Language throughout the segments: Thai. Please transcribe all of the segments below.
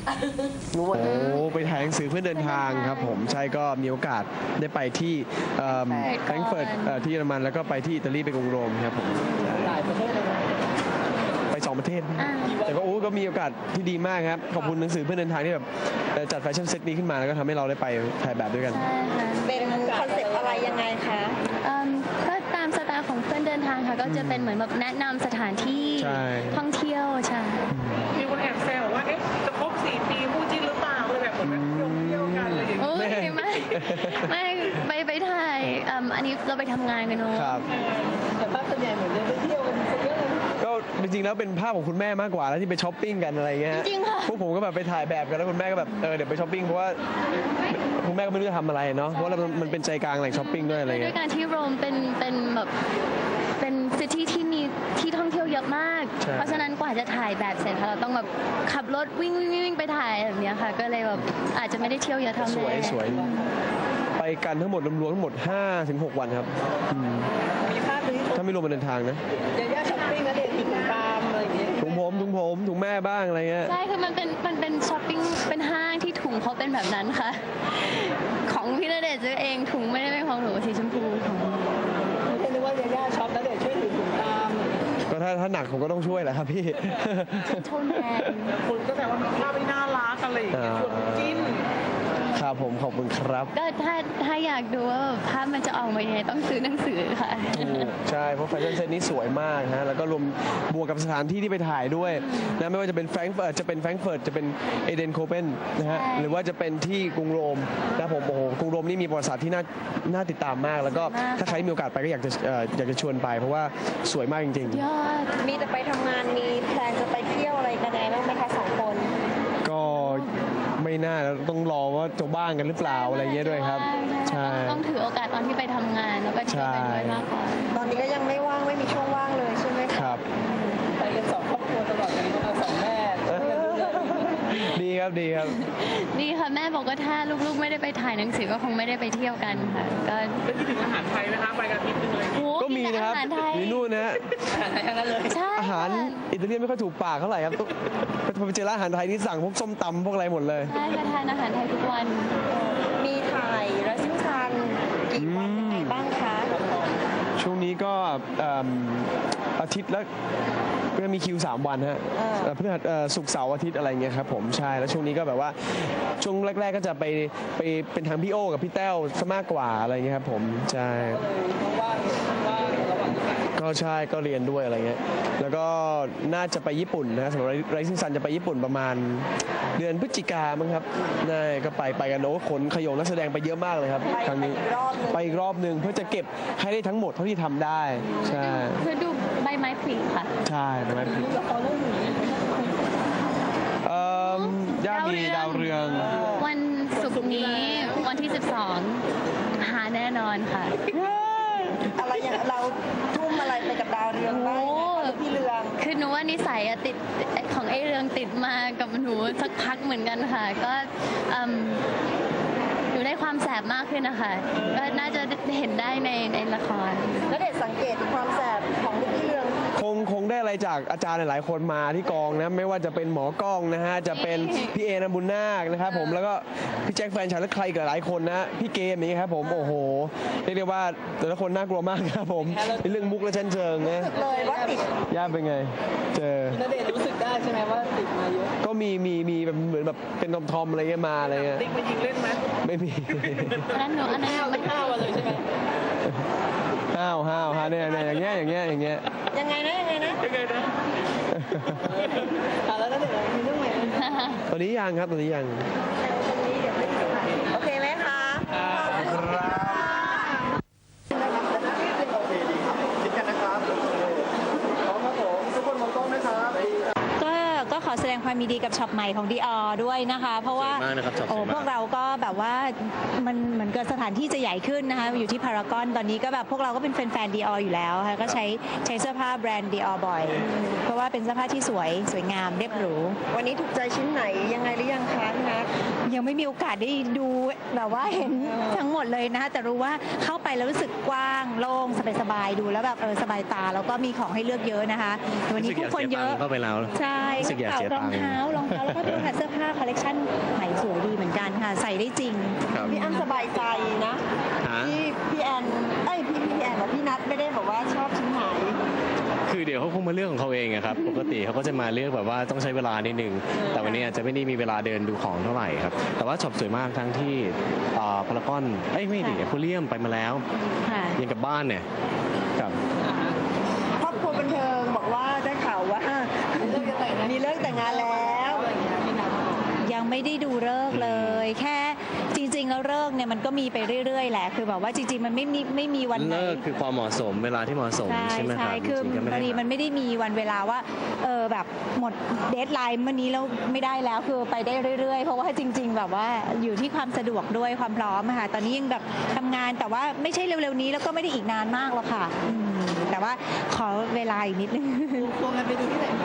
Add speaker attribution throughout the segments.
Speaker 1: โอ้ไปถ่ายหนังสือเพื่อเดินทางครับผมใช่ก็มีโอกาสได้ไปที่แฟรงก์เฟิร์ตที่เยอรมันแล้วก็ไปที่อิตาลีไปกรุงโรมครับผม
Speaker 2: หลายประเทศเลยนะ
Speaker 1: ไป2 ประเทศแต่ก็มีโอกาสที่ดีมากครับขอบคุณหนังสือเพื่อเดินทางที่แบบจัดแฟชั่นเซตนี้ขึ้นมาแล้วก็ทำให้เราได้ไปถ่ายแบบด้วยกัน
Speaker 3: เป็นคอนเซ็ปต์อะไรยังไงคะ
Speaker 4: ก็ตามสไตล์ของเพื่อนเดินทางค่ะก็จะเป็นเหมือนแบบแนะนำสถานที่ท่องเที่ยวใช่
Speaker 2: มีคนแอบแซวว่าจะครบ4 ปีคู่จิ้นหรือเปล่าเลยแบบเหมือนเที่ยวกันอะไรอย่างเงี้ย
Speaker 4: ไม่ไปถ่ายอันนี้เราไปทำงานกันเนอะ
Speaker 2: แต่ภาพส่วนใหญ่เหมือนไปเที่ยวกันเยอะเลย
Speaker 1: ก็จริงๆแล้วเป็นภาพของคุณแม่มากกว่าแล้วที่ไปช้อปปิ้งกันอะไรเงี้ย
Speaker 4: จริงค่ะ
Speaker 1: พวกผมก็แบบไปถ่ายแบบกันแล้วคุณแม่ก็แบบเดี๋ยวไปช้อปปิ้งเพราะว่าคุณแม่ก็ไม่รู้จะทำอะไรเนาะเพราะว่ามันเป็นใจกลางแหล่งช้อปปิ้งด้วยอะไรเงี้ย
Speaker 4: ด้วยการที่โรมเป็นแบบเป็นซิตี้ที่มีที่ท่องเที่ยวเยอะมากเพราะฉะนั้นกว่าจะถ่ายแบบเสร็จเราต้องแบบขับรถวิ่งไปถ่ายแบบนี้ค่ะก็เลยแบบอาจจะไม่ได้เที่ยวเยอะเท่าแม่
Speaker 1: สวยไปกันทั้งหมดรวมทั้งหมด 5-6 วันครับ
Speaker 2: มีภาพนี้
Speaker 1: ถ้าไม่รวมเดินทางนะ
Speaker 2: ย่าช้อปปิ้งนะเด็กถุงตามอะไรอย่างเงี้ย
Speaker 1: ถุงผมถุงแม่บ้างอะไรเงี้ย
Speaker 4: ใช่คือมันเป็นช้อปปิ้งเป็นห้างที่ถุงเขาเป็นแบบนั้นค่ะของพี่ณเดชน์ซื้อเองถุงไม่ได้เป็นของหนูสีชมพูของ
Speaker 2: ไม่นึกว่าย่าช็อปแล้วเด็กช่วยถือถุงตาม
Speaker 1: ก็ถ้าหนักผมก็ต้องช่วยแหละครับพี่
Speaker 4: โทนแมน
Speaker 2: คุณก็แต่ว่ามีภาพไม่น่ารักอะไรอย่างเงี้ยชวนจิ้น
Speaker 1: ครับผมขอบคุณครับ
Speaker 4: ก็ถ้าอยากดูว่าภาพมันจะออกมายังไงต้องซื้อหนังสือค่ะ
Speaker 1: ใช่เพราะแฟชั่นเซ็ตนี้สวยมากฮะแล้วก็รวมบวกกับสถานที่ที่ไปถ่ายด้วยนะไม่ว่าจะเป็นแฟรงก์เฟิร์ตจะเป็นเอเดนโคเปนนะฮะหรือว่าจะเป็นที่กรุงโรมนะผมโอ้โหกรุงโรมนี่มีประวัติศาสตร์ที่น่าติดตามมากแล้วก็ถ้าใครมีโอกาสไปก็อยากจะชวนไปเพราะว่าสวยมากจริง
Speaker 4: ๆยอด
Speaker 3: มีแต่ไปทำงานมีแพลนจะไปเที่ยวอะไรกันบ้างไหมคะ2 คน
Speaker 1: ก็ไม่น่าต้องรอว่าจะบ้างกันหรือเปล่าอะไรเงี้ยด้วยครับ
Speaker 4: ใช่ต้องถือโอกาสตอนที่ไปทำงานแล้วก็เที่ยวไปด้วยมากกว่า
Speaker 3: ตอนนี้ก็ยังไม่ว่างไม่มีช่วงว่างเลยใช่ไหม
Speaker 1: ครับ
Speaker 2: ไปกัน2 ครอบครัวตลอดเลยเอา2 แม่
Speaker 1: ดีครับ
Speaker 4: ดีค่ะแม่บอกว่าถ้าลูกๆไม่ได้ไปถ่ายหนังสือก็คงไม่ได้ไปเที่ยวกันค่ะก็
Speaker 2: คิดถึงอาหารไทยไหมคะไปกันทีนึงเลย
Speaker 1: ก็มีนะครับมีนู่นนะ
Speaker 2: อาหารไทยทั้งนั้นเลย
Speaker 1: อาหารอิตาเลียนไม่ค่อยถูกปากเท่าไหร่ครับพอไปเจอร้านอาหารไทยนี่สั่งพวกส้มตำพวกอะไรหมดเลย
Speaker 4: ใช่ค่ะทานอาหารไทยทุกวัน
Speaker 3: มีถ่ายรัสซันกี่วันยังไงบ้างคะ
Speaker 1: ช่วงนี้ก็อาทิตย์ละก็มีคิว3 วันฮะพฤหัสศุกร์เสาร์อาทิตย์อะไรเงี้ยครับผมใช่แล้วช่วงนี้ก็แบบว่าช่วงแรกๆก็จะไปเป็นทางพี่โอกับพี่แต้วซะมากกว่าอะไรเงี้ยครับผมใช่ก็ใช่ก็เรียนด้วยอะไรเงี้ยแล้วก็น่าจะไปญี่ปุ่นนะสำหรับไรซิ่งซันจะไปญี่ปุ่นประมาณเดือนพฤศจิกามั้งครับน่าก็ไปกันโอ้ขนขยงนักแสดงไปเยอะมากเลยครับครั้งนี้ไปอีกรอบนึงเพื่อจะเก็บให้ได้ทั้งหมดเท่าที่ทำได้ใช่
Speaker 4: เพื่อดูใบไม้ผลิค่ะ
Speaker 1: ใช่ใบไม้ผลิย่ามีดาวเรือง
Speaker 4: วันศุกร์นี้วันที่12หาแน่นอนค่ะ
Speaker 3: อะไรอย่างเราทุ่มอะไรไปกับดาวเรืองบ้างพี่เรือง
Speaker 4: คือหนูว่านิสัยติดของไอ้เรืองติดมากับหนูสักพักเหมือนกันค่ะก็หนูได้ความแสบมากขึ้นนะคะก็น่าจะเห็นได้ในละคร
Speaker 3: แล้วเด็กสังเกตความแสบของพี่เรือง
Speaker 1: คงได้อะไรจากอาจารย์หลายๆคนมาที่กองนะไม่ว่าจะเป็นหมอกล้องนะฮะจะเป็นพี่เอนบุญนาคนะครับผมแล้วก็พี่แจ็คแฟนฉันและใครกับหลายคนนะพี่เกมนี้ครับผมโอ้โหเรียกได้ว่าแต่ละคนน่ากลัวมากครับผมในเรื่องมุกและชั้นเชิงนะ
Speaker 3: เลยว่าติด
Speaker 1: ย่าเป็นไงเจอ
Speaker 2: ณเดชน์รู้สึกได้ใช่ไหมว่าติดมาเยอะ
Speaker 1: ก็มีแบบเหมือนแบบเป็นทอมอะไรเงี้ยมาอะไรเงี้ย
Speaker 2: ติ๊กมายิงเล่นไหม
Speaker 1: ไม่มี
Speaker 4: อันนั้น
Speaker 2: ไม่ข้าวเลยใช่ไหม
Speaker 1: ห้าวเนี่ยอย่างเงี้ย
Speaker 3: ยังไงนะ
Speaker 2: แล้วนั่นเดี๋ยวมีเรื่องใหม่
Speaker 1: ตอนนี้ยังครับตอนนี้ยัง
Speaker 3: โอเคไหมคะ
Speaker 5: ก็ขอแสดงความยินดีกับช็อปใหม่ของ Dior ด้วยนะคะเพราะว่าพวกเราก็แบบว่ามันเหมือนกับสถานที่จะใหญ่ขึ้นนะคะอยู่ที่พารากอนตอนนี้ก็แบบพวกเราก็เป็นแฟน Dior อยู่แล้วค่ะก็ใช้เสื้อผ้าแบรนด์ Dior บ่อยเพราะว่าเป็นเสื้อผ้าที่สวยงามเรียบหรู
Speaker 3: วันนี้ถูกใจชิ้นไหนยังไงหรือยังคะพี่นัท
Speaker 5: ยังไม่มีโอกาสได้ดูแบบว่าเห็นทั้งหมดเลยนะคะแต่รู้ว่าเข้าไปแล้วรู้สึกกว้างโล่งสบายๆดูแล้วแบบสบายตาแล้วก็มีของให้เลือกเยอะนะคะวันนี้ผู้คนเยอะ
Speaker 1: เข้าไปแล้ว
Speaker 5: ใช่
Speaker 1: รองเท้า
Speaker 5: แล้วก็ตัวเสื้อผ้าคอลเลกชันใหม่สวยดีเหมือนกันค่ะใส่ได้จริง
Speaker 1: ครับ
Speaker 3: พี่อ้ำสบายใจนะ
Speaker 1: ฮะ
Speaker 3: ที่พี่แอนพี่แอนกับพี่นัทไม่ได้บอกว่าชอบชิ้นไหน
Speaker 6: คือเดี๋ยวเขาคงมาเลือกของเขาเองอะครับ ปกติเขาก็จะมาเลือกแบบว่าต้องใช้เวลานิดนึง แต่วันนี้อาจจะไม่ได้มีเวลาเดินดูของเท่าไหร่ครับ แต่ว่าช็อปสวยมากทั้งที่พารากอนไม่ดิโพเลียมไปมาแล้ว
Speaker 5: ค่ะ
Speaker 6: ยังกับบ้านเนี่ยครับ
Speaker 3: ครอบครัวบันเทิงบอกว่าได้ข่าวว่ามีเลิกแต่งงานแล้ว
Speaker 5: ยังไม่ได้ดูฤกษ์เลย แค่จริงๆแล้วฤกษ์เนี่ยมันก็มีไปเรื่อยๆแหละคือแบบว่าจริงๆมันไม่มีวันไหน
Speaker 6: เลิกคือความเหมาะสมเวลาที่เหมาะสม
Speaker 5: ใช่
Speaker 6: ใช่ไหมค
Speaker 5: ใช่
Speaker 6: รับ
Speaker 5: คือ
Speaker 6: จริงๆก็
Speaker 5: พอดีมันไม่ได้มีวันเวลาว่าแบบหมดเดทไลน์เมื่อนี้แล้วไม่ได้แล้วคือไปได้เรื่อยๆ เพราะว่าจริง ๆ แบบว่าอยู่ที่ความสะดวกด้วยความพร้อมอะค่ะตอนนี้ยังแบบทำงานแต่ว่าไม่ใช่เร็วๆนี้แล้วก็ไม่ได้อีกนานมากหรอกค่ะแต่ว่าขอเวลาอีกนิดนึง
Speaker 3: ควงกันไปดูที่ไหนมา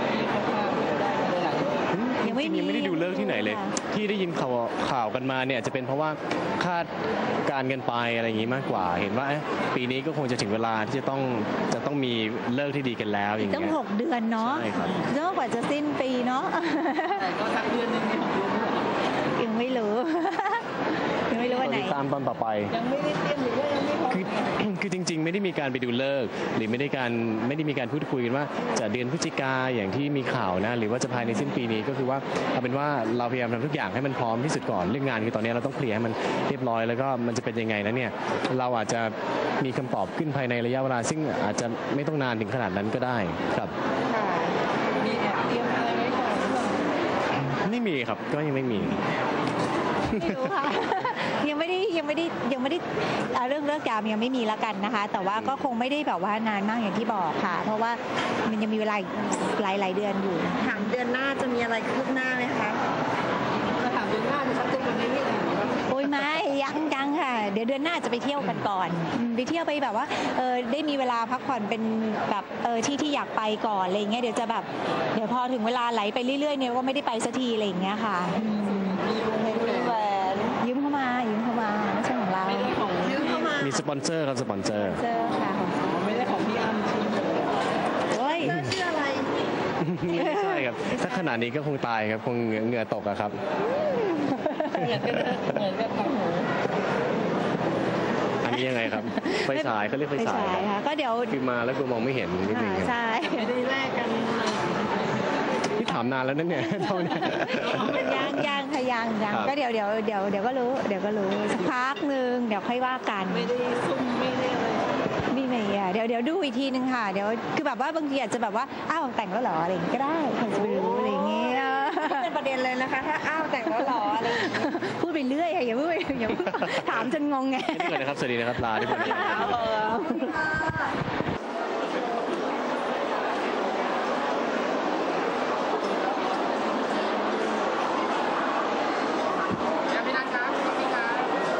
Speaker 5: ยังไม่มี
Speaker 6: ยังไม่ได้ดูเลิกที่ไหนเลย
Speaker 5: ค่ะ
Speaker 6: ที่ได้ยินข่าวกันมาเนี่ยจะเป็นเพราะว่าคาดการณ์กันไปอะไรอย่างนี้มากกว่า เห็นว่าปีนี้ก็คงจะถึงเวลาที่จะต้องมีเลิกที่ดีกันแล้วอย่าง
Speaker 5: ต้อ
Speaker 6: เงี้
Speaker 5: ง
Speaker 6: ย
Speaker 5: 6 เดือนเนาะ
Speaker 6: ใช่ครับ
Speaker 5: เนอะกว่าจะสิ้นปีเนาะ
Speaker 2: ก็สักเดือนหนึงเนี่ย
Speaker 5: ยังไม่รู้ ยังไม่รู้วันไหน
Speaker 6: ติดตามตอนต่อไป
Speaker 3: ยังไม่ได้เตรียมหรือว่ายังไม่พร้อม
Speaker 6: คือจริง ๆ ไม่ได้มีการไปดูเลิกษ์หรือไม่ได้มีการพูดคุยกันว่าจะเดือนพฤศจิกาอย่างที่มีข่าวนะหรือว่าจะภายในสิ้นปีนี้ก็คือว่าเอาเป็นว่าเราพยายามทำทุกอย่างให้มันพร้อมที่สุดก่อนเรื่องงานคือตอนนี้เราต้องเคลียร์ให้มันเรียบร้อยแล้วก็มันจะเป็นยังไงนะเนี่ยเราอาจจะมีคำตอบขึ้นภายในระยะเวลาซึ่งอาจจะไม่ต้องนานถึงขนาดนั้นก็ได้ครับ
Speaker 3: ค่ะ
Speaker 2: มีแอบเตรียมอะไรไว้ก่อนหรือเปล่า
Speaker 6: ไม่มีครับก็ยังไม่มี
Speaker 5: ไม่รู้ค่ะ ยังไม่ได้เรื่องเลิกยามยังไม่มีละกันนะคะ แต่ว่าก็คงไม่ได้แบบว่านานมากอย่างที่บอกค่ะ เพราะว่ามันยังมีเวลาอีกหลายเดือนอยู่
Speaker 3: ถามเดือนหน้าจะมีอะไรคืบหน้าไหมคะจะถามเดือนหน้าจะชัดเจนกว่านี้นิดหนึ่ง
Speaker 5: โอ้ยไม่ยังค่ะ เดี๋ยวเดือนหน้าจะไปเที่ยวกันก่อนไปเที่ยวไปแบบว่าได้มีเวลาพักผ่อนเป็นแบบที่อยากไปก่อนอะไรอย่างเงี้ยเดี๋ยวพอถึงเวลาไหลไปเรื่อยๆเนี่ยก็ไม่ได้ไปสักทีอะไรอย่างเงี้ยค่ะ
Speaker 3: มีแหวน
Speaker 5: ยืมเข้ามาไม่ใช่ของเรา
Speaker 2: ไม่ได้ของ
Speaker 3: ยืมเข้ามา
Speaker 6: มีสปอนเซอร์ครับสปอนเซอร์
Speaker 5: เจอค่ะ
Speaker 2: ไม่ได้ของพี่อ้ำใช่ไหม
Speaker 5: โอ้ย
Speaker 3: ชื่ออะไร
Speaker 6: ไม่ใช่ครับถ้าขนาดนี้ก็คงตายครับคงเหงื่อตกอะครับ
Speaker 2: เหมือนกันนะเหมือนกับของหนู
Speaker 6: อันนี้ยังไงครับไฟฉายเขาเรียกไฟฉายครับ
Speaker 5: ค่ะก็เดี๋ยว
Speaker 6: คือมาแล้วกูมองไม่เห็นนิดนึงครับ
Speaker 5: ใช่
Speaker 2: ไม่ได้แลกกัน
Speaker 6: ที่ถามนานแล้วนั่นเนี่ย เท่านี้
Speaker 5: ยังค่ะยัง
Speaker 6: ครับ
Speaker 5: ก็เดี๋ยวก็รู้สักพักหนึ่งเดี๋ยวค่อยว่ากัน
Speaker 2: ไม่ได้ซุ่มไม่ได้อะไร
Speaker 5: มีไหมอ่ะเดี๋ยวดูอีกทีนึงค่ะเดี๋ยวคือแบบว่าบางทีอาจจะแบบว่าอ้าวแต่งแล้วเหรออะไรอย่างงี้ก็ได้ใครจะไปรู้อะไรอย่างเงี้ย
Speaker 3: เป็นประเด็นเลยนะคะ ถ้าอ้าวแต่งแล้วหรออะไรอย่างเงี้ย
Speaker 5: พูดไปเรื่อยอะอย่าเพิ่งถามจนงงไง
Speaker 6: นี่ก่อนนะครับ สวัสดีนะครับลาทุกคน
Speaker 2: ยังไม่นัดครับสวัสดีครับ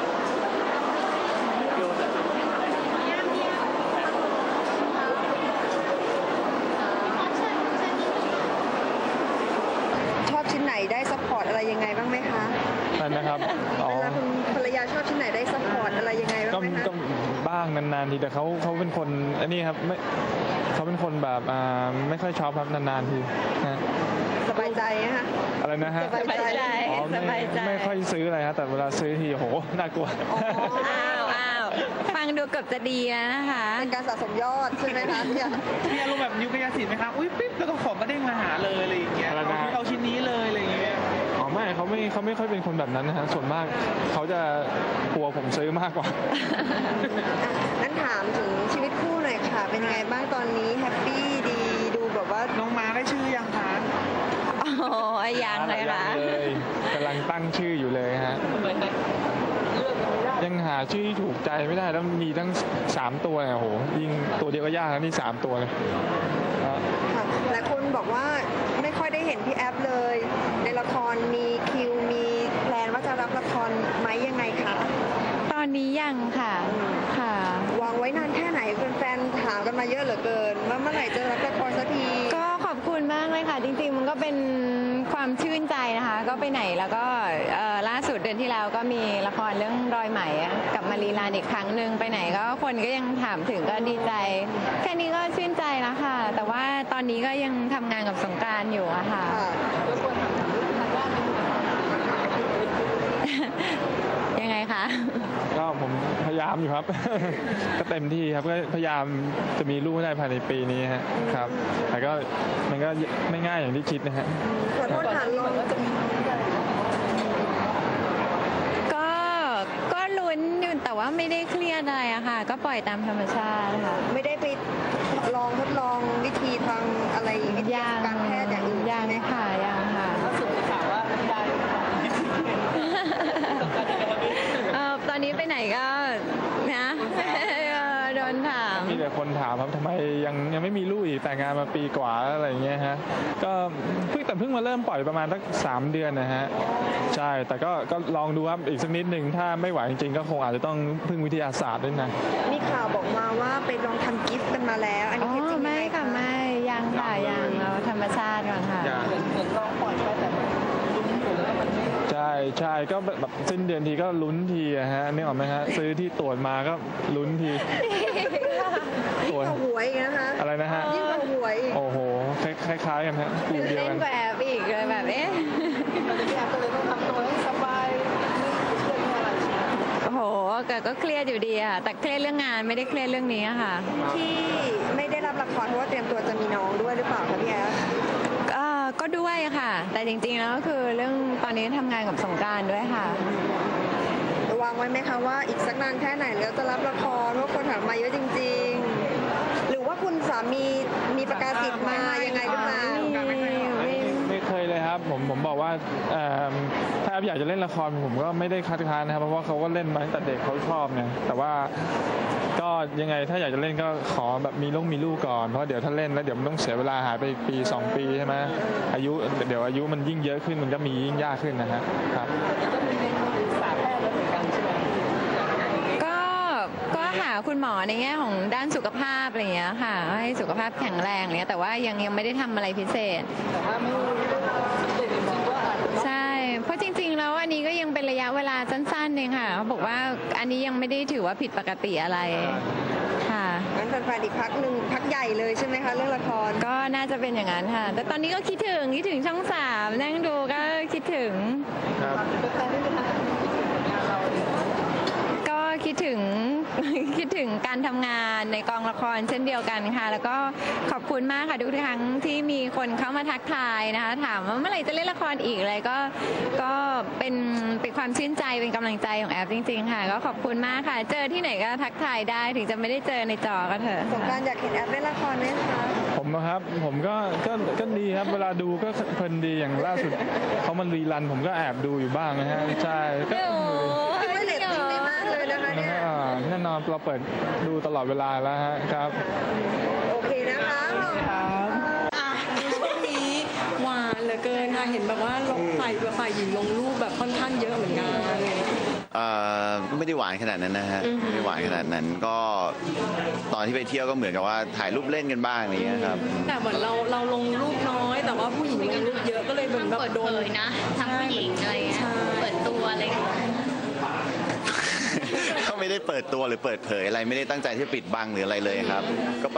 Speaker 3: ชอบชิ้นไหนได้ซัพพอร์ตอะไรยังไงบ้างไหมคะ
Speaker 7: นั่นนะครับอ๋อ
Speaker 3: เวลาคุณภรรยาชอบชิ้นไหนได้ซัพพอร์ตอะไรยังไงบ้าง
Speaker 7: ก็
Speaker 3: ไหมคะ
Speaker 7: ก็บ้างนานๆทีแต่เขาเป็นคนอันนี้ครับไม่เขาเป็นคนแบบไม่ค่อยชอบครับนานๆทีนะ
Speaker 3: สบายใจนะคะ
Speaker 7: อะไรนะฮะ
Speaker 3: สบายใจ
Speaker 7: อ๋อไม่ค่อยซื้ออะไรครับแต่เวลาซื้อทีโหน่ากลัว
Speaker 5: อ้าวฟังดูเกือบจะดีแล้วนะคะ
Speaker 3: เป็นการสะสมยอดใช่ไหมคะเนี่ย
Speaker 2: มีอารมณ์แบบยุคกระสินไหมครับอุ้ยปิ๊บแล้วก็ของก็เด้งมาหาเลยอะไรอย่างเงี้ย
Speaker 7: อะไรนะ
Speaker 2: เอาชิ้นนี้เลยอะไรอย่างเงี้ย
Speaker 7: อ๋อไม่เขาไม่ค่อยเป็นคนแบบนั้นนะฮะส่วนมากเขาจะกลัวผมซื้อมากกว่า
Speaker 3: งั้นถามถึงชีวิตคู่หน่อยค่ะ เป็นยังไงบ้างตอนนี้แฮปปี้ดีดูแบบว่า
Speaker 2: น้องม้าได้ชื่อยังคะ
Speaker 5: โอ้ยยังเลยค่ะ
Speaker 7: เลยกำลังตั้งชื่ออยู่เลยฮะยังหาชื่อที่ถูกใจไม่ได้แล้วมีตั้ง3ตัวเนี่ยโหยิ่งตัวเดียวก็ยากแล้วนี่3ตัวเลยฮะ
Speaker 3: ค่ะหลายคนบอกว่าไม่ค่อยได้เห็นพี่แอฟเลย ในละครมีคิวมีแพลนว่าจะรับละครไหมยังไงคะ
Speaker 5: ตอนนี้ยังค่ะค่ะ
Speaker 3: วางไว้นานแค่ไหนแฟนๆถามกันมาเยอะเหลือเกินว่าเมื่อไหร่จะรับละครสักที
Speaker 8: ก็ขอบคุณมากเลยค่ะ จริงๆมันก็เป็นความชื่นใจนะคะ ก็ไปไหนแล้วก็ล่าสุดเดือนที่แล้วก็มีละครเรื่องรอยไหมกลับมารีลานอีกครั้งหนึ่งไปไหนก็คนก็ยังถามถึงก็ดีใจ แค่นี้ก็ชื่นใจแล้วค่ะ แต่ว่าตอนนี้ก็ยังทำงานกับสงกรานต์อยู่อะค่ะ
Speaker 3: ค่ะ
Speaker 7: ก็ผมพยายามอยู่ครับ ก็เต็มที่ครับก็พยายามจะมีลูกให้ได้ภายในปีนี้ฮะครับแต่ก็มันก็ไม่ง่ายอย่างที่คิดนะฮะ
Speaker 3: ขอโทษค่ะลอง
Speaker 8: ก็ลุ้นอยู่แต่ว่าไม่ได้เครียดอะไรอะค่ะ ก็ปล่อยตามธรรมชาติค่ะ
Speaker 3: ไม่ได้ไปทดลองวิธีทางอะไรวิทยาการแพทย์อย่างอื่น
Speaker 8: ยัง
Speaker 3: ใช่ไหมคะ
Speaker 8: ค่ะยังค่ะ
Speaker 2: ล่าสุดมีข่าวว่าไม่ได้
Speaker 8: ตอนนี้ไปไหนก็นะโดนถาม
Speaker 7: มีแต่คนถามครับทำไมยังไม่มีลูกอีกแต่งงานมาปีกว่าแล้วอะไรอย่างเงี้ยฮะก็เพิ่งมาเริ่มปล่อยประมาณสัก3 เดือนนะฮะใช่แต่ก็ลองดูครับอีกสักนิดหนึ่งถ้าไม่ไหวจริงๆก็คงอาจจะต้องพึ่งวิทยาศาสตร์ด้วยนะ
Speaker 3: มีข่าวบอกมาว่าไปลองทำกิฟต์กันมาแล้ว อันนี้เท็จจริงไหม
Speaker 8: ไม่ค่ะไม่ยังค่ะยังเราธรรมชาติก่อนค่ะ
Speaker 2: เหมือนลองปล่อยไปแต่ลุ้นอยู่แล้วมันไม่
Speaker 7: ใช่ก็แบบสิ้นเดือนทีก็ลุ้นทีอะฮะนึกออกไหมฮะซื้อที่ตรวจมาก็ลุ้นทีตรวจ
Speaker 3: ยิ่งกว่าหวยอีกนะคะ
Speaker 7: อะไรนะฮะ
Speaker 3: ยิ่งกว่าหวยอีก
Speaker 7: โอ้โหคล้ายๆกันฮะกลุ่มเดียว
Speaker 8: เล่
Speaker 7: กัน น
Speaker 8: กว่าแอปอีกเลยแบบ
Speaker 2: พี่แอฟก็เลยต้องทำตัวให้สบายไม่เครียดไม่อะไรใช่ไหม
Speaker 8: โอ้โหก็เครียดอยู่ดีอะแต่เครียดเรื่องงานไม่ได้เครียดเรื่องนี้อะค่ะ
Speaker 3: ที่ไม่ได้รับละครเพราะว่าเตรียมตัวจะมีน้องด้วยหรือเปล่าคะพี่แอฟ
Speaker 8: ก็ด้วยค่ะ แต่จริงๆแล้วก็คือเรื่องตอนนี้ทำงานกับสงกรานต์ด้วยค่ะ
Speaker 3: วางไว้ไหมคะว่าอีกสักนานแค่ไหนแล้วจะรับละครเพราะคนถามมาเยอะจริงๆ หรือว่าคุณสามีมีประกาศสิทธิ์มายังไงหรือเปล่า
Speaker 7: ไม่เคยเลยครับผมบอกว่าถ้าแอฟอยากจะเล่นละครผมก็ไม่ได้คัดค้านนะครับเพราะว่าเขาก็เล่นมาตั้งแต่เด็กเขาชอบเนี่ยแต่ว่าก็ยังไงถ้าอยากจะเล่นก็ขอแบบมีลูกก่อนเพราะเดี๋ยวถ้าเล่นแล้วเดี๋ยวมันต้องเสียเวลาหายไปปี2 ปีใช่ไหมเดี๋ยวอายุมันยิ่งเยอะขึ้นมันก็มียิ่งยากขึ้นนะฮะครับ
Speaker 2: ก็มีเรียนปรึกษาแพทย์แล้วเหมือนกันใช่ไหม
Speaker 8: ก็หาคุณหมอในแง่ของด้านสุขภาพอะไรอย่างเงี้ยค่ะให้สุขภาพแข็งแรงอะไรเงี้ยแต่ว่ายังไม่ได้ทำอะไรพิเศษ
Speaker 2: แต่ว่าไม่เด็กจริงๆก็อาจจะ
Speaker 8: ใช่ เพราะจริงๆแล้วอันนี้ก็ยังเป็นระยะเวลาสั้นๆเองค่ะเขาบอกว่าอันนี้ยังไม่ได้ถือว่าผิดปกติอะไรค่ะ
Speaker 3: งั้นแฟนๆอีกพักหนึ่งพักใหญ่เลยใช่ไหมคะเรื่องละคร
Speaker 8: ก็น่าจะเป็นอย่างนั้นค่ะ แต่ตอนนี้ก็คิดถึงช่อง3นั่งดูก็คิดถึง
Speaker 7: ครับ
Speaker 2: เป็นแฟนได้ไหมคะงานเราเนี่ย
Speaker 8: ก็คิดถึง คิดถึงการทำงานในกองละครเช่นเดียวกันค่ะ แล้วก็ขอบคุณมากค่ะทุกครั้งที่มีคนเข้ามาทักทายนะคะถามว่าเมื่อไหร่จะเล่นละครอีกอะไรก็เป็นความชื่นใจเป็นกำลังใจของแอฟจริงๆค่ะ ก็ขอบคุณมากค่ะ เจอที่ไหนก็ทักทายได้ถึงจะไม่ได้เจอในจอก็เถอะ
Speaker 3: สงกรานต์อยากเห็นแอฟเล่นละครไหมคะ
Speaker 7: ผมนะครับผมก็ดีครับเวลาดูก็เพลินดีอย่างล่าสุดเขามันรีรันผมก็แอบดูอยู่บ้างนะฮะใช่ก็
Speaker 3: คิดว่าเรตติ้งได้มากเลยนะคะเนี่ย
Speaker 7: แน่นอนเราเปิดดูตลอดเวลาแล้วฮะครับ
Speaker 3: โอเคนะคะ
Speaker 9: ช่วงนี้หวานเหลือเกินค่ะเห็นแบบว่าลงฝ่ายหญิงลงรูปแบบค่อนข้างเยอะเหมือนกัน
Speaker 10: ไม่ได้หวานขนาดนั้นนะฮะไม่ได้หวานขนาดนั้นก็ตอนที่ไปเที่ยวก็เหมือนกับว่าถ่ายรูปเล่นกันบ้างอะไรอย่างเงี้ยครับ
Speaker 9: แต่เหมือนเราลงรูปน้อย แต่ว่าผู้หญิงลงรูปเยอะก็เลยเหมือนแบบ
Speaker 4: เปิด
Speaker 9: โด
Speaker 4: เผ
Speaker 9: น
Speaker 4: ยนะทั้งผู้หญิงอะไรเงี้ย
Speaker 9: ใช่
Speaker 4: เปิดตัวอะไรเงี้ย
Speaker 10: ก็ไม่ได้เปิดตัวหรือเปิดเผยอะไรไม่ได้ตั้งใจที่จะปิดบังหรืออะไรเลยครับก็